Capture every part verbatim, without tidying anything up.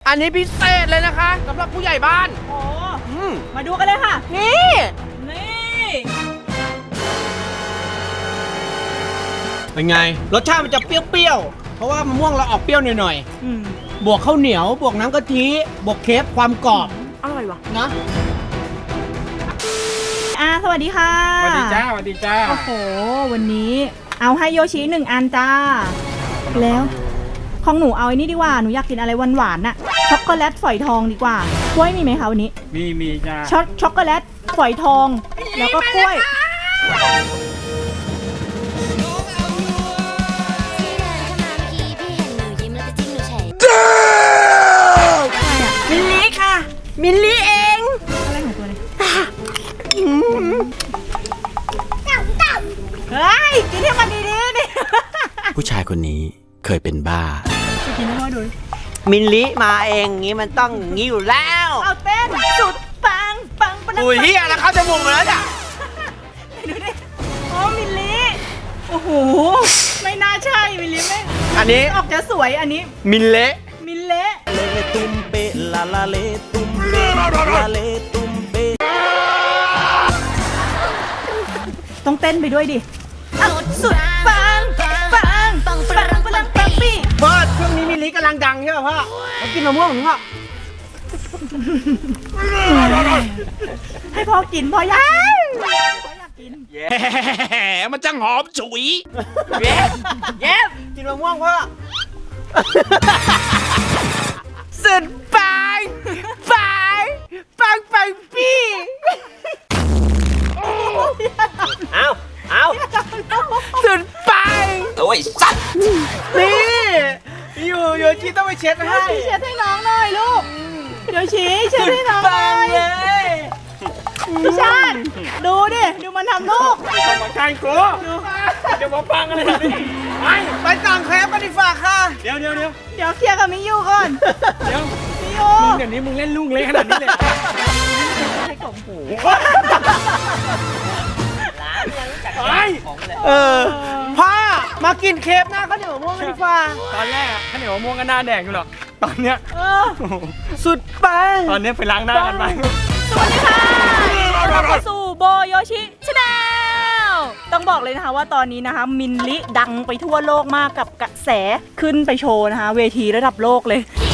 อันนี้พิเศษเลยนะคะสำหรับผู้ใหญ่บ้านโอ้อืมมาดูกันเลยค่ะนี่นี่เป็นไงรสชาติมันจะเปรี้ยวๆเพราะว่ามะม่วงเราออกเปรี้ยวหน่อยอืมๆบวกข้าวเหนียวบวกน้ำกะทิบวกเคฟความกรอบอร่อยว่ะนะอ่าสวัสดีค่ะสวัสดีจ้าสวัสดีจ้าโอ้โหวันนี้เอาให้โยชิหนึ่งอันจ้าแล้วของหนูเอาไอ้นี่ดีกว่าหนูอยากกินอะไรหวานๆน่ะช็อกโกแลตฝอยทองดีกว่ากล้วยมีไหมคะวันนี้มีมีจ้าช็อกช็อกโกแลตฝอยทองแล้วก็กล้วยมิลลี่ค่ะมิลลี่เองอะไรของตัวนี้เฮ้ยกินให้มันดีๆดิผู้ชายคนนี้เคยเป็นบ้าจะกินให้พ่อดูมิลลี่มาเองงี้มันต้องงี้อยู่แล้วเอาเต้นสุดปังปังปังอุ้ยเฮียแล้วเข้าจมูกมาแล้วจ้ะดูดิโอ้มิลลิโอ้โหไม่น่าใช่มิลลิไม่อันนี้ออกจะสวยอันนี้มิลเละมิลเละเลตุมเปลาลาเลตุมเปลาเลตุมเปต้องเต้นไปด้วยดิเอาสุดปังปังปังปังปังปังปังปี้พ่อช่วงนี้มิลลี่กำลังดังใช่ป่ะพ่อมากินมะม่วงของพ่อให้พ่อกินพ่ออยากพ่ออยากกินแย่มันจังหอมฉุยเย้เย้กินมะม่วงพ่อสุดปังปังปังปังปี้เอาเอาสุดปังโอ้ยสัตว์นี่อยู่โยชิต้องไปเช็ดให้เช็ดให้น้องหน่อยลูกเดี๋ยวชี้เช็ดให้น้องหน่ปัอง ยเลยพี่ชาติดูดิดูมันทำลูกมาใกล้กูเดี๋ยวมาปังอะไรแบบนี้ไปไปสั่งแครปกันดีฝ่าค่ะเดี๋ยวเดี๋ยวเดี๋ยวเดี๋ยวเคลียร์กับมิยูก่อนเดี๋ยวมิยูมึงเดี๋ยวนี้มึงเล่นลูกเล็กขนาดนี้เลยเหรอให้กล่องหูไปเออพ่อมากินเคฟหน้าข้าวเหนียวมะม่วงกันดีฝ่าตอนแรกอะข้าวเหนียวมะม่วงก็หน้าแดงอยู่หรอกตอนเนี้ยเออสุดปังตอนเนี้ยไปล้างหน้ากันไปสวัสดีค่ะต้อนรับเข้าสู่โบโยชิชาแนลต้องบอกเลยนะคะว่าตอนนี้นะคะมินลิดังไปทั่วโลกมากกับกระแสขึ้นไปโชว์นะคะเวทีระดับโลกเลย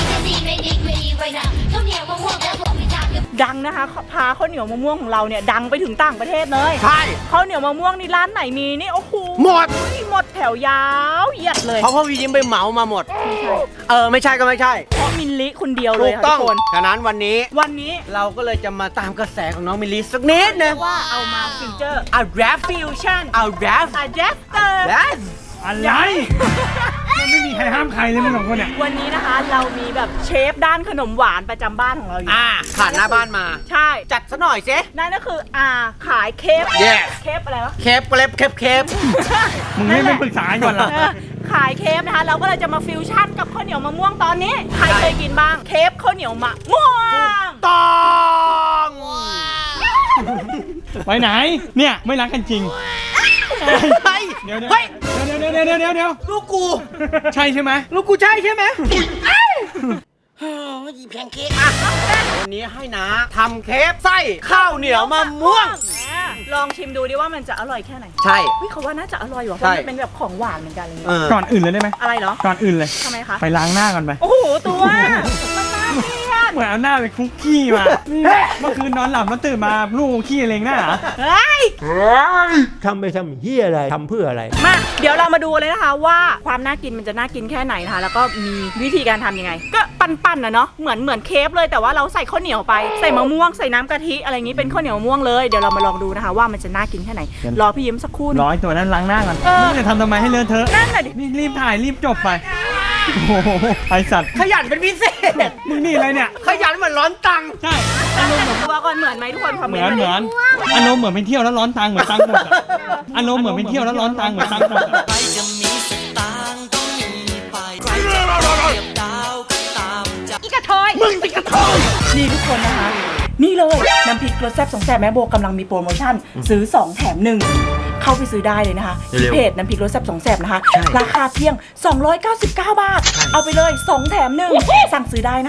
ดังนะคะพาข้าวเหนียวมะม่วงของเราเนี่ยดังไปถึงต่างประเทศเลยใช่ข้าวเหนียวมะม่วงนี่ร้านไหนมีนี่โอ้โหหมดหมดแถวยาวเหยียดเลยเพราะพ่อวียิ้มไปเหมามาหมด เออไม่ใช่ก็ไม่ใช่เพราะมินลิคนเดียวเลถูยกค่ะต้ทุองกคนฉะนั้นวันนี้วันนี้เราก็เลยจะมาตามกระแสของน้องมิลลิสักนิดนึงว่าเอามาฟิวเจอร์อ่ะแรปฟิวชั่นเอาแรปอะแดปเตอร์แรปอะไรมันไม่มีใครห้ามใครเลยมึงสองคนเนี่ยวันนี้นะคะเรามีแบบเชฟด้านขนมหวานประจำบ้านของเราอยู่อ่าผ่านหน้าบ้านมาใช่จัดซะหน่อยสินั่นก็คืออ่าขายเคฟ Yes เคฟอะไรวะเคฟเคฟเคฟเคฟมึงไม่ไม่ปรึกษากันก่อนเหรอเออขายเคฟนะคะ เราก็เลยจะมาฟิวชั่นกับข้าวเหนียวมะม่วงตอนนี้ ใครเคยกินบ้าง เคฟข้าวเหนียวมะม่วงต้องไปไหนเนี่ยไม่รักกันจริงเฮ้ยเดี๋ยวเดี๋ยวเฮ้ยเดี๋ยวเดี๋ยวเดี๋ยวเดี๋ยวเดี๋ยวเดี๋ยวลูกกูใช่ใช่ไหมลูกกูใช่ใช่ไหมยีแพนเค้กอ่ะวันนี้ให้นะทำเคฟไส้ข้าวเหนียวมะม่วงอ่ะลองชิมดูดิว่ามันจะอร่อยแค่ไหนใช่เฮ้ยเขาว่าน่าจะอร่อยว่ะเพใช่ราะมันเป็นแบบของหวานเหมือนกันอะไรเอเงี้ยอก่อนอื่นเลยได้ไหมอะไรเหรอก่อนอื่นเลยทำไมคะไปล้างหน้าก่อนไปโอ้โหตัวมันน่าเกลียดเหมือนเอาหน้าไปคุกกี้มาเมื่อคืนนอนหลับแล้วตื่นมาลูกขี้เลงหน้าเหรอเฮ้ยทำไปทำเฮียอะไร ทำเพื่ออะไรมาเดี๋ยวเรามาดูเลยนะคะว่าความน่ากินมันจะน่ากินแค่ไหนนะคะแล้วก็มีวิธีการทำยังไง ก็ปั้นๆนะเนาะเหมือนเหมือนเคฟเลยแต่ว่าเราใส่ข้าวเหนียวไปใส่มะม่วงใส่น้ำกะทิอะไรอย่างนี้เป็นข้าวเหนียวมะม่วงเลยเดี๋ยวเรามาลองดูนะคะว่ามันจะน่ากินแค่ไหนรอพี่ยิ้มสักครู่หนึ่งร้อยตัวนั้นล้างหน้าก่อนเออมึงจะทำทำไมให้เลอะเทอะนั่นน่ะดินี่รีบถ่ายรีบจบไปโอ้โหไอสัตว์ขยันเป็นพิเศษมึงนี่อะไรเนี่ยขยันเหมือนร้อนตังค์ใช่อารมณ์เหมือนตัวก่อนเหมือนไหมทุกคนคอมเหเมมืนอนต์เหมือนอารมณ์เหมือนไปเที่ยวแล้วร้อนตังค์เหมือนตังค์หมดอะอารมณ์เหมือนไปเที่ยวแล้วร้อนตังค์เหมือนตังค์หมดอะใครจะมีสตางค์ต้องมีไปใครจะเทียบดาวก็ตามใจอีกระทอยมึงติกระทอยนี่ทุกคนนะคะนี่เลยน้ำพริกรสแซ่บสองแซ่บแม่โบกำลังมีโปรโมชั่นซื้อสองแถมหนึ่งเข้าไปซื้อได้เลยนะคะที่เพจน้ำพริกรสแซ่บสองแซ่บนะคะราคาเพียงสองร้อยเก้าสิบเก้าบาทเอาไปเลยสองแถมหนึ่งสั่งซื้อได้นะคะ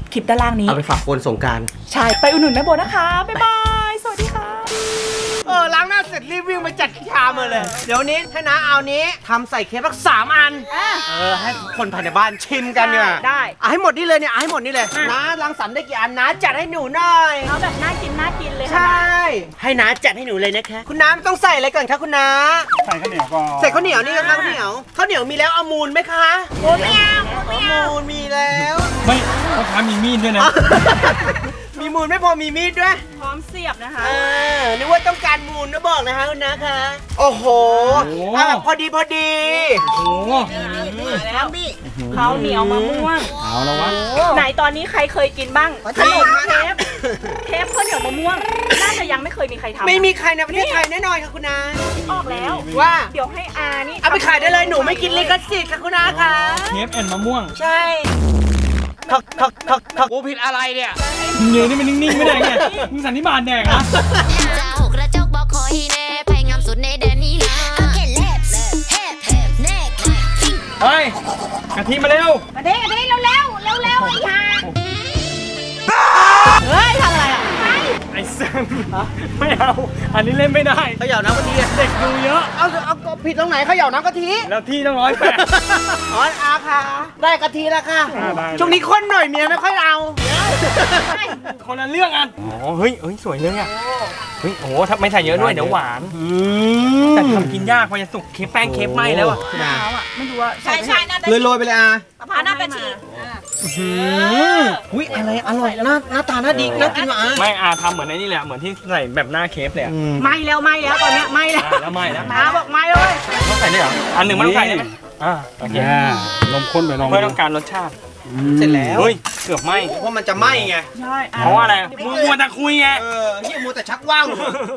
คลิปด้านล่างนี้เอาไปฝากคนสงกรารใช่ไปอุดหนุนแม่โบนะคะ บ๊ายบาย สวัสดีค่ะเออล้างหน้าเสร็จรีบวิ่งไปจัดชามมาเลย เดี๋ยวนี้ให้น้าเอานี้ทำใส่เค้กสักสามอันอ่ะเออให้คนภายในบ้านชิมกันเนี่ยได้เอาให้หมดนี่เลยเนี่ยเอาให้หมดนี่เลยอ่ะน้ารังสรรค์ได้กี่อันน้าจัดให้หนูหน่อยเอาแบบน่ากินน่ากินเลยใชค่ะ่ ให้น้าจัดให้หนูเลยนะคะ คุณน้ำต้องใส่อะไรก่อนคะคุณน้าใส่ข้าวเหนียวก่อนใส่ข้าวเหนียวนี่นะคะข้าวเหนียวข้าวเหนียวมีแล้วเอามูลไหมคะโอ้ไม่เอาไม่เอามูลมีแล้วไม่พ่อค้ามีมีดด้วยนะมีมูลไม่พอมีมีดด้วยพร้อมเสียบนะคะเออนึกว่าต้องการมูลนะบอกนะคะคุณน้าคะโอ้โหโอ้โหเอาแบบพอดีพอดีโอ้โหแล้วข้าวเหนียวมะม่วงเอาแล้ววะไหนตอนนี้ใครเคยกินบ้างขนมเค้กเค้กข้าวเหนียวมะม่วง น่าจะยังไม่เคยมีใครทำไม่มีใครในประเทศไทยแน่นอนค่ะคุณน้าออกแล้วว่าเดี๋ยวให้อานี่เอาไปขายได้เลยหนูไม่กินลิขสิทธิ์ค่ะคุณน้าคะเคฟแอนมะม่วงใช่ทักทักทักทักกูผิดอะไรเนี่ยมึงยืนนี่มันนิ่งๆไม่ได้ไงมึงสันนิบาตแดกเหรอเจ้ากระจกบอกคอยแน่ภัยงามสุดในแดนนี้นะโอเคเล็บเฮปเฮปเน็กฟิงเฮ้ยกะทิมาเร็วมาเด้เด้เร็วเร็วเร็วเร็วไอ้ห่าเฮ้ยทำอะไรอ่ะไอ้สันไม่เอา อันนี้เล่นไม่ได้เขย่าน้ำกะทิอะเด็กดูเยอะเอาเอาเอาผิดตรงไหนเขย่าน้ำกะทิแล้วที่ต้องร้อยแปดอ๋ออาค่ะได้กะทิแล้วค่ะอ่าได้ช่วงนี้ข้นหน่อยเมียไม่ค่อยเอาคนละเรื่องกันอ๋อเฮ้ยเฮ้ยสวยเลยอ่ะเฮ้ยโอ้ถ้าไม่ใส่เยอะด้วยเดี๋ยวหวาน แต่ทำกินยากพอจะสุกเคฟแป้งเคฟไหมแล้วอ่ะมะพร้าวอ่ะไม่รู้ว่าใช่ใช่น่าจะเลยโรยไปเลยอามะพร้าวน่าจะฉีกอุ้ยอะไรอร่อยหน้าหน้าตาน่าดีน่ากินว่ะอาไม่อาทำเหมือนไอ้นี่แหละเหมือนที่ใส่แบบหน้าเคฟเลยอะไม่แล้วไม่แล้วตอนเนี้ยไม่แล้วอ่าแล้วไม่แล้วอาบอกไม่เลยต้องใส่ได้เหรออันหนึ่งมันต้องใส่ได้ไหมอ่าโอเคนมข้นไปลองเพื่อต้องการรสชาติเสร็จแล้วเฮ้ยเกือบไหมเพราะมันจะไหม้ไงใช่เพราะว่าอะไรมึงมัวแต่คุยไงเออเฮียมัวแต่ชักว่าว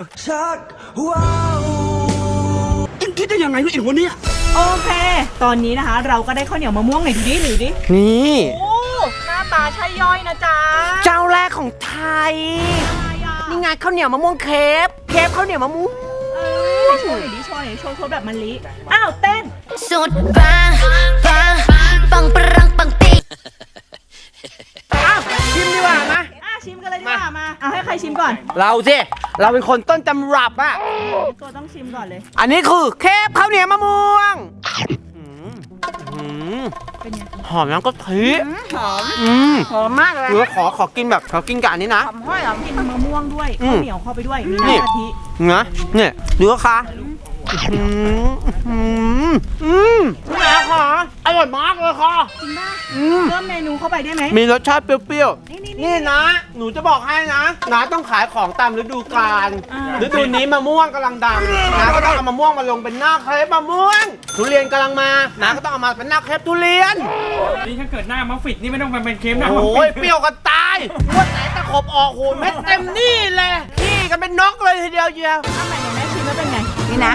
คิดได้ยังไงวะไอ้หัวเนี่ยโอเค ตอนนี้นะคะ เราก็ได้ข้าวเหนียวมะม่วงไหนดูดิหรือดินี่โอ้หน้าตาใช่ย่อยนะจ๊ะเจ้าแรกของไทยอะไรอ่ะนี่ไงข้าวเหนียวมะม่วงเคฟเคฟข้าวเหนียวมะม่วงเอ้ยโชว์หน่อยดิโชว์หน่อยโชว์โชว์แบบมะลิอ้าวเต้นสุดปังปังปังปรังปังปีอ้าวชิมดีกว่านะอ่ะชิมกันเลยดีกว่ามาเอาให้ใครชิมก่อนเราสิเราเป็นคนต้นตำรับอะตัวต้องชิมก่อนเลยอันนี้คือเคฟข้าวเหนียวมะม่วงอืมอืมเป็นไงหอมน้ำกะทิหอมอืมหอมมากเลยเออขอขอกินแบบขอกินกับอันนี้นะหอมห้อยหอมกินมะม่วงด้วยอืข้าม วเหนียวเข้าไปด้วยมีนี่น้ำกะทินะเนี่ยดูค่ะอืมอืมอืมคุณแม่ค่ะอร่อยมากเลยค่ะจริงป่ะอืมเพิ่มเมนูเข้าไปได้ไหมมีรสชาติเปรี้ยวนี่นี่ๆ นี่นะ หนูจะบอกให้นะน้าต้องขายของตามฤดูกาลอ่าฤดูนี้มะม่วงกำลังดังน้าก็ต้องเอามะม่วงมาลงเป็นหน้าเครปมะม่วง ทุเรียนกำลังมาน้าก็ต้องเอามาเป็นหน้าเครปทุเรียนนี่ถ้าเกิดหน้ามัฟฟิตนี่ไม่ต้องไปเป็นเคฟหน้ามัฟโอ้ฟิยตเปรี้ยวกันตายวันไหนตะขบออกหูเม็ดเต็มนี่เลยนี่กันเป็นนกเลยทีเดียวเชียวทำไมเนี่ยแม่ชิมแล้วเป็นไง นี่นะ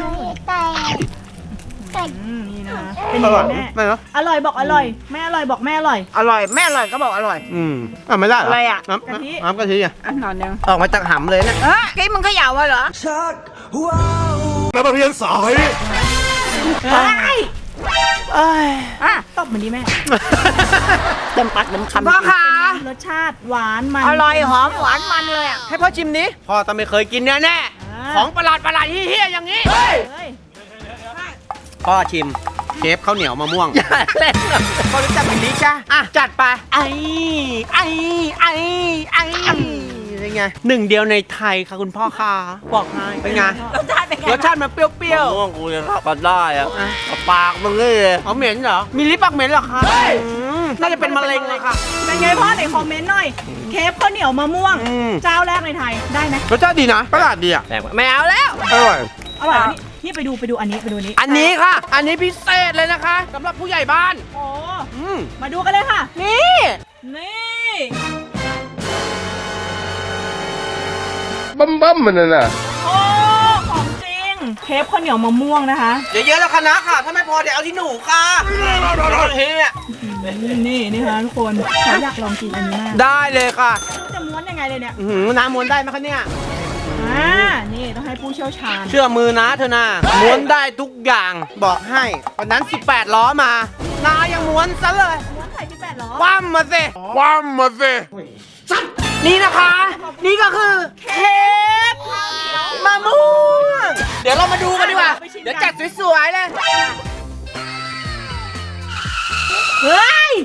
อืมนี่นะเป็นอยังร่อยไงแม่ไหมเนาะอร่อยบอกอร่อยแม่อร่อยบอกแม่อร่อยอร่อยแม่อร่อยก็บอกอร่อย อืมอ่ะไม่ได้เหรออะไรอ่ะน้ำกะทิน้ำกะทิอ่ะอันนอนนึงออกมาจากหำเลยนะเอ้ยกี้มึงเขย่าเหรอแล้วมาเรียนสายเฮ้ยเอ้ยอ่ะตบเหมือนดีแม่เต็มปากเต็มคำพ่อคะรสชาติหวานมันอร่อยหอมหวานมันเลยอ่ะให้พ่อชิมนี้พ่อต้องไม่เคยกินแน่แน่อ่าของประหลาดประหลาดเฮี้ยๆอย่างนี้เฮ้ยพ่อชิมเคฟข้าวเหนียวมะม่วงอย่าเล่นพ่อรู้จักแบบนี้จ้ะอ่ะจัดไปไอ้ไอ้ไอ้ไอ้เป็นไงหนึ่งเดียวในไทยค่ะคุณพ่อค่ะบอกให้เป็นไงรสชาติเป็นไงรสชาติมันเปรี้ยวม่วงกูจะรับกันได้อะปากมึงเลยๆเอาเหม็นเหรอมีลิปปากเหม็นเหรอคะอืมน่าจะเป็นมะเร็งเลยค่ะเป็นไงพ่อไหนคอมเมนต์หน่อย เคฟข้าวเหนียวมะม่วงอืมเจ้าแรกในไทยได้ไหมรสชาติดีนะประหลาดดีอ่ะไม่เอาแล้วอร่อยอร่อยอันนี้นี่ไปดูไปดูอันนี้ไปดูอันนี้อันนี้ค่ะ อันนี้พิเศษเลยนะคะสำหรับผู้ใหญ่บ้านโอ้อืมมาดูกันเลยค่ะนี่นี่บั้มบั้มมันน่ะโอ้ของจริง เคฟข้าวเหนียวมะม่วงนะคะเดี๋ยวเยอะแล้วคณะค่ะ ถ้าไม่พอเดี๋ยวเอาที่หนูค่ะเฮ้ยนี่นี่ค่ะทุกคนฉันอยากลองกินอันนี้มากได้เลยค่ะจะม้วนยังไงเลยเนี่ยอื้อหือน้ำม้วนได้ไหมคะเนี่ยอ่านี่ต้องให้ผู้เชี่ยวชาญเชื่อมือนะเธอนะม้วนได้ทุกอย่างบอกให้วันนั้นสิบแปดล้อมานายังม้วนซะเลยม้วนไข่สิบแปดคว่ำมาสิคว่ำมาสินี่นะคะ นี่ก็คือเค้กมะม่วงเดี๋ยวเรามาดูกันดีกว่า เดี๋ยวจัดสวยๆเลยเฮ้ย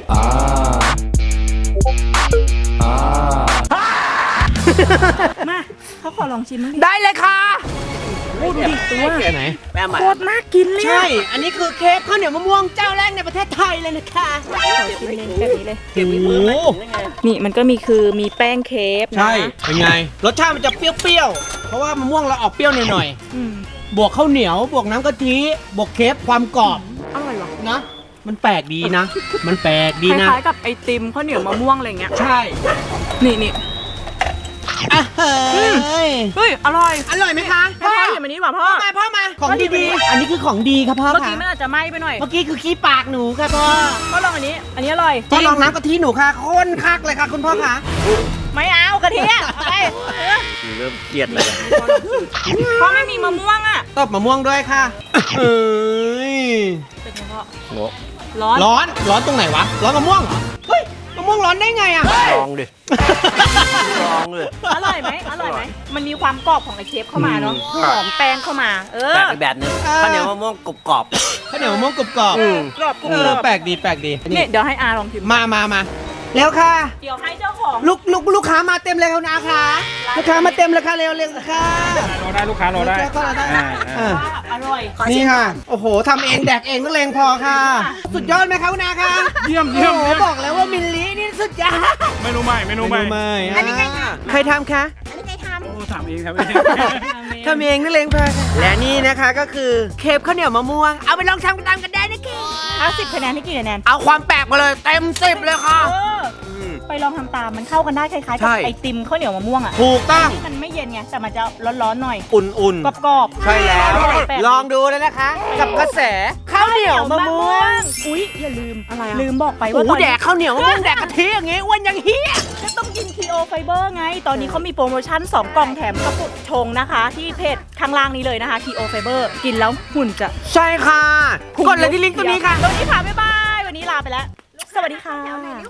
มาเขาขอลองชิมมั้งดิได้เลยค่ะโอ้ดูดิตัวไหนแม่ใหม่โคตรน่ากินเลยใช่ อันนี้คือเค้กข้าวเหนียวมะม่วงเจ้าแรกในประเทศไทยเลยนะคะขอชิมเลยแบบนี้เลยโอ้โหนี่มันก็มีคือมีแป้งเคฟนะใช่ เป็นไง รสชาติมันจะเปรี้ยวๆ เพราะว่ามะม่วงเราออกเปรี้ยวหน่อยอืมๆ บวกข้าวเหนียว บวกน้ำกะทิ บวกเค้กความกรอบอร่อยว่ะนะ มันแปลกดีนะ มันแปลกดีคนะล้ายๆกับไอติมข้าวเหนียวมะม่วงอะไรเงี้ยใช่นี่นี่อ่ะเฮ้ยเฮ้ยอร่อยอร่อยไหมคะให้พ่อหยิบอันนี้ดีกว่าพ่อพ่อมาพ่อมา ของดีๆ อันนี้คือของดีครับพ่อเมื่อค่ะกี้มันอาจจะไหม้ไปหน่อยเมื่อกี้คือขี้ปากหนูค่ะพ่อก็ลองอันนี้ อันนี้อร่อยพ่อลองน้ำกะทิหนูค่ะข้นคักเลยค่ะคุณพ่อค่ะไม่เอากะทิอะเอาไปเออเริ่มเกลียดเลยพ่อไม่มีมะม่วงอ่ะตบมะม่วงด้วยค่ะเอ้ยเป็นไงพ่อโง่ร้อนร้อน ร้อนตรงไหนวะ ร้อนมะม่วงเหรอเฮ้ย มะม่วงร้อนได้ไงอะลองดิลองเลยอร่อยไหมอร่อยไหมมันมีความกรอบของไอเชฟเข้ามาเนาะอืมหอมแป้งเข้ามา เออแปลกไปแบบนึงข้าวเหนียวมะม่วงกรุบกรอบข้าวเหนียวมะม่วงกรอบกรอบอืมกรอบกรุบเอกรออบแปลกดีแปลกดีนี่เดี๋ยวให้อาลองชิมมามามาแล้วค่ะเดี๋ยวให้เจ้าของลูกลูกลูกค้ามาเต็มเลยคุณอาค่ะลูกค้ามาเต็มเลยค่ะเร็วเร็วค่ะรอได้ลูกค้ารอได้ลูกค้ารอได้อ่าอ่าว่าอร่อยนี่ค่ะ โอ้โหทำเองแดกเองนักเลงพอค่ะ สุดยอดไหมคะคุณอาค่ะเยี่ยมเยี่ยมโอ้โหเยี่ยมบอกแล้วว่ามิลลินี่สุดยอดไม่รู้ไม่ไม่รู้ไม่อันนี้ใครทำใครทำคะโอ้ถามเองครับทำเองนักเลงพอค่ะและนี่นะคะก็คือเคปข้าวเหนียวมะม่วง เอาไปลองทำกันตามกันได้นะคะถ้าสิบคะแนนให้กี่คะแนนเอาความแปลกมาเลยเต็มสิบเลยค่ะเออไปลองทำตามมันเข้ากันได้คล้ายๆกับใช่ไอติมข้าวเหนียวมะม่วงอ่ะถูกต้องมันไม่เย็นไงแต่มันจะร้อนๆหน่อยอุ่นกรอบๆๆ ใช่แล้วแปลกๆลองดูเลยนะคะ กับกระแสข้าวเหนียวมะม่วงอุ๊ยอย่าลืมอะไรอะลืมบอกไปโอ้ว่าโหตอนแดนี้กข้าวเหนียวมะม่วงแดกกะทิอย่างงี้อ้วนยังเฮียก็ต้องกิน คี โอ Fiber ไง ตอนนี้เขามีโปรโมชั่นสองกล่องแถมกระปุกชงนะคะ ที่เพจข้างล่างนี้เลยนะคะ คี โอ Fiber กินแล้วหุ่นจะใช่ค่ะ กดเลยที่ลิงก์ตัวนี้ค่ะตรงนี้ค่ะ บ๊ายบาย วันนี้ลาไปแล้ว สวัสดีค่ะ